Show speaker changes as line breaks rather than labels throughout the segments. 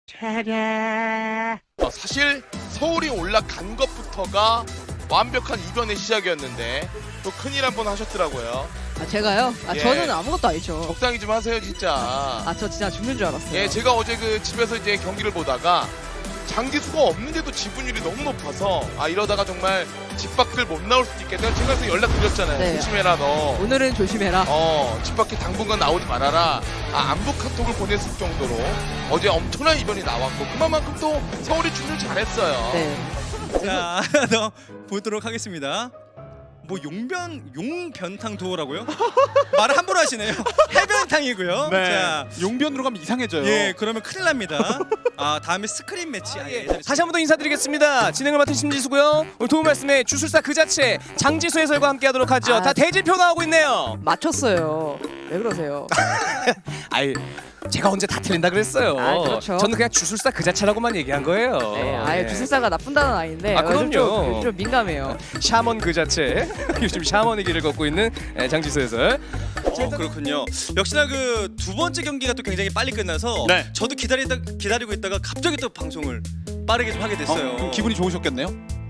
사실 서울이 올라간 것부터가 완벽한 이변의 시작이었는데 또 큰일 한 번 하셨더라고요.
아 제가요? 아
예.
저는 아무것도 아니죠.
적당히 좀 하세요 진짜.
아 저 진짜 죽는 줄 알았어요.
예, 제가 어제 그 집에서 이제 경기를 보다가 장기수가 없는데도 지분율이 너무 높아서 이러다가 정말 집 밖을 못 나올 수도 있겠다. 제가 그래서 연락드렸잖아요.
네.
조심해라 너.
오늘은 조심해라.
집 밖에 당분간 나오지 말아라. 안부 카톡을 보냈을 정도로 어제 엄청난 이변이 나왔고 그만큼 또 서울이 준비를 잘했어요.
네.
자, 하나 더 보도록 하겠습니다. 뭐 용변탕 도어라고요? 말을 함부로 하시네요. 해변탕이고요.
네.
자,
용변으로 가면 이상해져요.
예, 그러면 큰일 납니다. 다음에 스크린 매치.
다시 한 번 더 인사드리겠습니다. 진행을 맡은 심지수고요. 오늘 도움 말씀에 주술사 그 자체 장지수 해설과 함께하도록 하죠.
아.
다 대진표 나오고 있네요.
맞췄어요. 왜 그러세요?
아이 제가 언제 다 틀린다 그랬어요.
아, 그렇죠.
저는 그냥 주술사 그 자체라고만 얘기한 거예요.
네, 아예
예.
주술사가 나쁜 단어는 아닌데
아,
요즘
그럼요.
좀 민감해요.
샤먼 그 자체. 요즘 샤먼의 길을 걷고 있는 장지수 해설.
그렇군요. 역시나 그 두 번째 경기가 또 굉장히 빨리 끝나서
네.
저도 기다리고 있다가 갑자기 또 방송을 빠르게 좀 하게 됐어요.
그럼 기분이 좋으셨겠네요?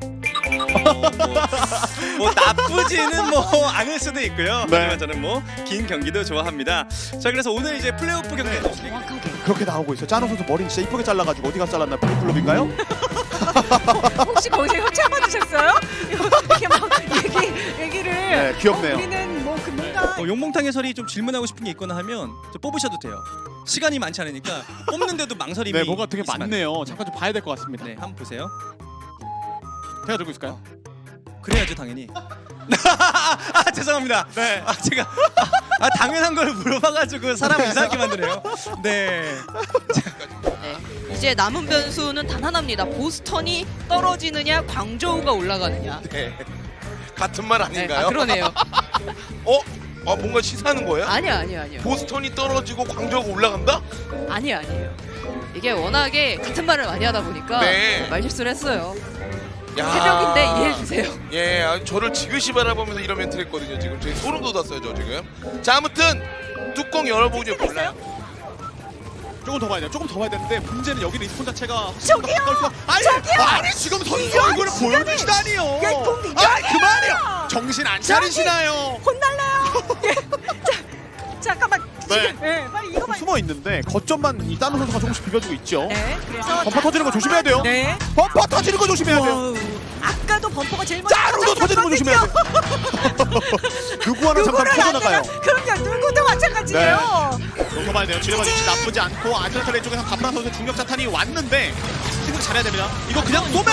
뭐 나쁘지는 뭐 않을 수도 있고요.
네.
하지만 저는 뭐 긴 경기도 좋아합니다. 자, 그래서 오늘 이제 플레이오프 경기
정확하게.
그렇게 나오고 있어요. 짜노 선수 머리 진짜 이쁘게 잘라가지고 어디 가서 잘랐나? 블루클럽인가요?
혹시 거기서 협찬 받으셨어요? 이렇게 막 얘기를.
네, 귀엽네요.
우리는 뭐 그 뭔가.
용봉탕 해설이 좀 질문하고 싶은 게 있거나 하면 저 뽑으셔도 돼요. 시간이 많지 않으니까 뽑는데도 망설임이
네, 뭐가 되게
있으면 안
많네요. 잠깐 좀 봐야 될 것 같습니다.
돼요. 네, 한번 보세요.
제가 들고 있을까요?
그래야죠, 당연히. 죄송합니다.
네.
제가 당연한 걸 물어봐가지고 사람을 이상하게 만드네요. 네.
네. 이제 남은 변수는 단 하나입니다. 보스턴이 떨어지느냐, 광저우가 올라가느냐.
네. 같은 말 아닌가요?
그러네요.
뭔가 시사하는 거예요?
아니요.
보스턴이 떨어지고 광저우가 올라간다?
아니에요. 이게 워낙에 같은 말을 많이 하다 보니까
네.
말실수를 했어요.
야.
새벽인데 이해해주세요.
예, 저를 지그시 바라보면서 이런 멘트를 했거든요. 지금 저희 소름 돋았어요, 저 지금. 자, 아무튼 뚜껑 열어보니 몰라요.
조금 더 봐야 돼요. 조금 더 봐야 되는데 문제는 여기 리스폰 자체가
저기요!
아니 지금 선수 얼굴을 보여주시다니요. 그만해요. 정신 안 차리시나요?
혼날래요. 잠깐만.
네.
네, 빨리 이거만.
숨어 있는데 거점만 이 따노 선수가 조금씩 비벼주고 있죠.
네, 그래서.
범퍼 터지는 거 조심해야 돼요.
네.
범퍼 터지는 거 조심해야 돼요.
와우. 아까도 범퍼가 제일 먼저.
짜루도 터지는 거 조심해야 돼요. 누구 하나 잠깐 터져나가요.
그럼요. 누구도 마찬가지예요.
더 봐야 돼요. 지뢰가 위치 나쁘지 않고 아틀레 쪽에서 감라 선수 중력 자탄이 왔는데 생각 잘해야 됩니다. 이거 그냥 쏘면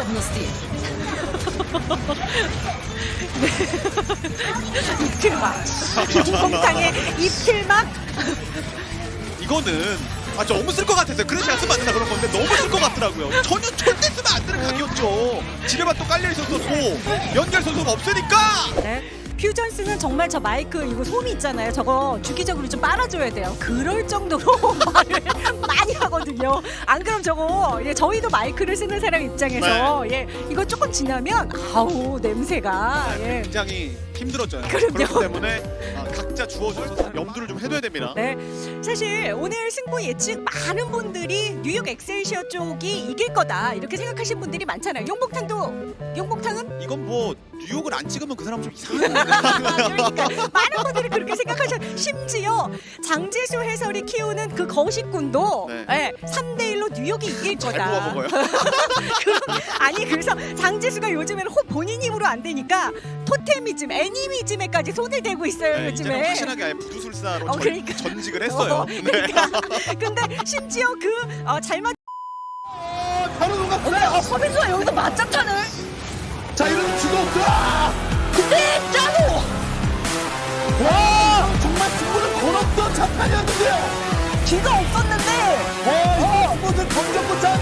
입틀막. 공탕의 입틀막.
이거는 너무 쓸 것 같았어요. 그래서 약속 맞는다 그런 건데 너무 쓸 것 같더라고요. 전혀 절대 쓰면 안 되는 각이었죠. 지뢰만 또 깔려 있었고 연결 선수가 없으니까.
네. 퓨전스는 정말 저 마이크 이거 솜이 있잖아요. 저거 주기적으로 좀 빨아줘야 돼요. 그럴 정도로 말을 많이 하거든요. 안 그럼 저거 저희도 마이크를 쓰는 사람 입장에서 이거 조금 지나면 아우 냄새가
굉장히 힘들었죠.
그럼요.
그렇기 때문에 각자 주어져서 염두를 좀 해둬야 됩니다.
네. 사실 오늘 승부 예측 많은 분들이 뉴욕 엑셀시어 쪽이 이길 거다 이렇게 생각하신 분들이 많잖아요. 용복탕은
이건 뭐 뉴욕을 안 찍으면 그 사람 좀 이상해.
그러니까 많은 분들이 그렇게 생각하셔. 심지어 장지수 해설이 키우는 그 거식군도
네.
3대1로 뉴욕이 이길
잘
거다.
구워 먹어요.
아니 그래서 장지수가 요즘에는 본인 힘으로 안 되니까 토테미즘, 애니미즘에까지 손을 대고 있어요.
네, 이제는
요즘에.
확실하게 아예 부두술사로
그러니까.
전직을 했어요. 네.
근데 심지어 잘 맞.
바로 녹았어요.
서민수가 여기서 맞짱탄을.
자, 이러면 죽었어.
근데 짜고.
와, 정말 승부를 걸었던 장판이었는데요.
뒤가 없었는데.
와, 이것은 검정고장